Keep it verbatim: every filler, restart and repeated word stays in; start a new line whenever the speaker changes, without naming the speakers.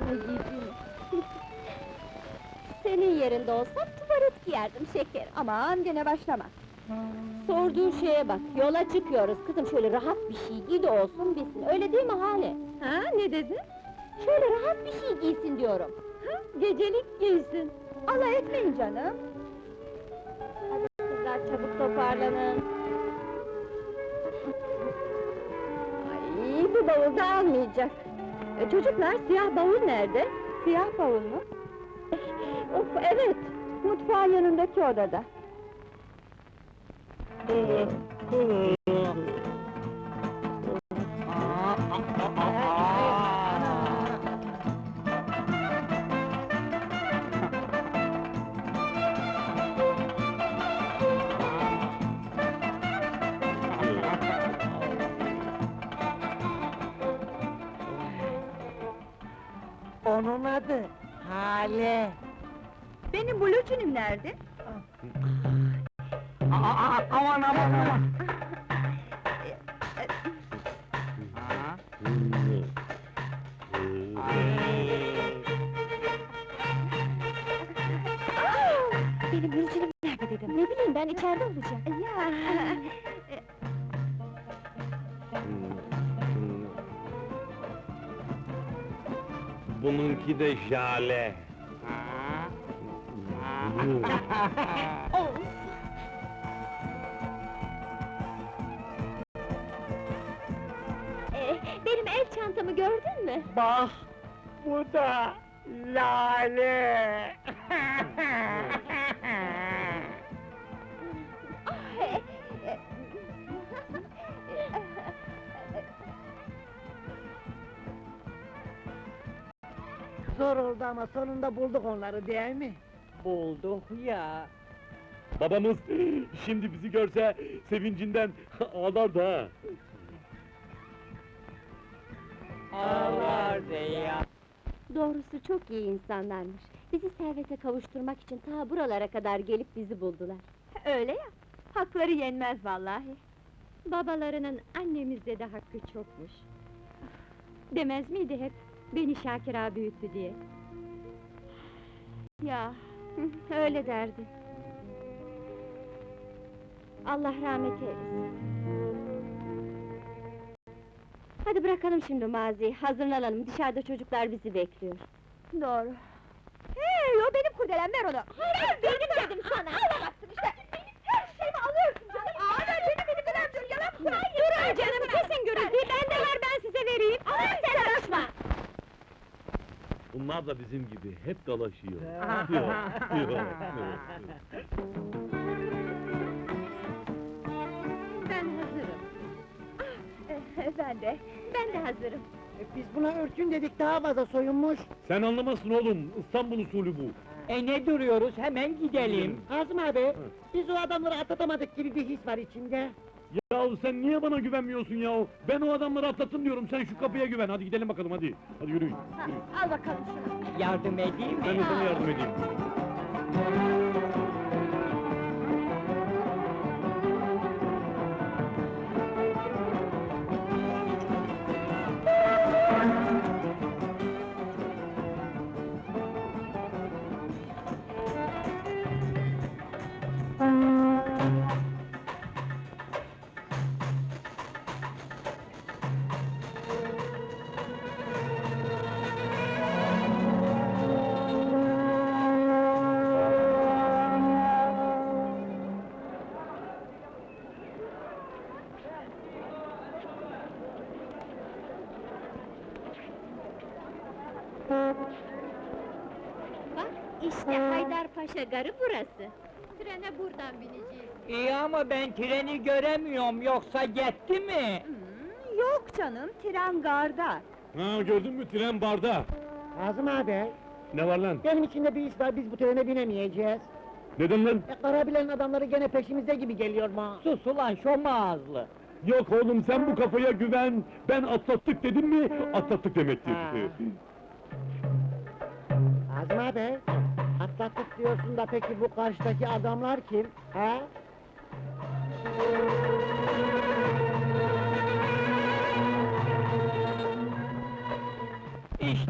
Yiğidim! Senin yerinde olsam tuvalet giyerdim şekerim!
Aman gene başlama!
Sorduğun şeye bak, yola çıkıyoruz kızım, şöyle rahat bir şey giy de olsun bilsin, öyle değil mi Hale?
Ha, ne dedin?
Şöyle rahat bir şey giysin diyorum!
Ha, gecelik giysin! Alay etmeyin canım!
Hadi kızlar, çabuk toparlanın!
Ay, bu bavul da almayacak! E, çocuklar, siyah bavul nerede? Siyah bavul mu? Of, evet! Mutfağın yanındaki odada!
Onun adı Hale.
Benim bluçinim nerede?
Aa, aa, aman aman aman!
Benim bulucurum nerede dedim? Ne bileyim ben, içeride olacak!
Ya!
Bununki de Jale.
Of! Ee, benim el çantamı gördün mü?
Bak, bu da Lale! Zor oldu ama sonunda bulduk onları, değil mi? Bulduk ya!
Babamız şimdi bizi görse sevincinden ağlardı ha.
Ağlardı ya!
Doğrusu çok iyi insanlarmış. Bizi servete kavuşturmak için ta buralara kadar gelip bizi buldular.
Öyle ya! Hakları yenmez vallahi!
Babalarının annemizde de hakkı çokmuş. Demez miydi hep, beni Şakir ağa büyüttü diye?
Ya!
Hı, öyle derdi. Allah rahmet eylesin. Hadi bırakalım şimdi maziyi, hazırlanalım, dışarıda çocuklar bizi bekliyor.
Doğru! Hey, o benim kurdelem, ver onu!
Hayır, benim dedim sana!
Alamazsın işte! Benim her şeyimi alıyorsun canım! Aa, ver benim benim kadar dur, yalan mı?
Durun canım, kesin gürültüyü, bende var, ben size vereyim!
Aman sen karışma!
Bunlar da bizim gibi hep dalaşıyor.
Ben hazırım! Ah, ben de, ben de hazırım!
Biz buna örtün dedik, daha fazla soyunmuş!
Sen anlamazsın oğlum, İstanbul usulü bu.
E ne duruyoruz, hemen gidelim! Azım abi, biz o adamları atlatamadık gibi bir his var içinde!
Yahu sen niye bana güvenmiyorsun yahu? Ben o adamları atlattım diyorum, sen şu kapıya güven, hadi gidelim bakalım hadi! Hadi yürüyün,
Ha,
yürüyün.
al bakalım şunu!
Yardım edeyim
Ben de sana yardım edeyim.
Bak, işte Haydarpaşa garı burası. Trene buradan bineceğiz.
İyi ama ben treni göremiyorum, yoksa gitti mi?
Hmm, yok canım, tren garda!
Ha gördün mü, tren barda!
Azım abi,
Ne var lan?
benim içinde bir iş var, biz bu trene binemeyeceğiz.
Neden lan?
E, Karabilen adamları gene peşimizde gibi geliyor ma. Sus ulan, şom ağızlı!
Yok oğlum, sen bu kafaya güven, ben atlattık dedim mi, atlattık demektir.
Ha. Azım abi, atlattık diyorsun da peki bu karşıdaki adamlar kim? He?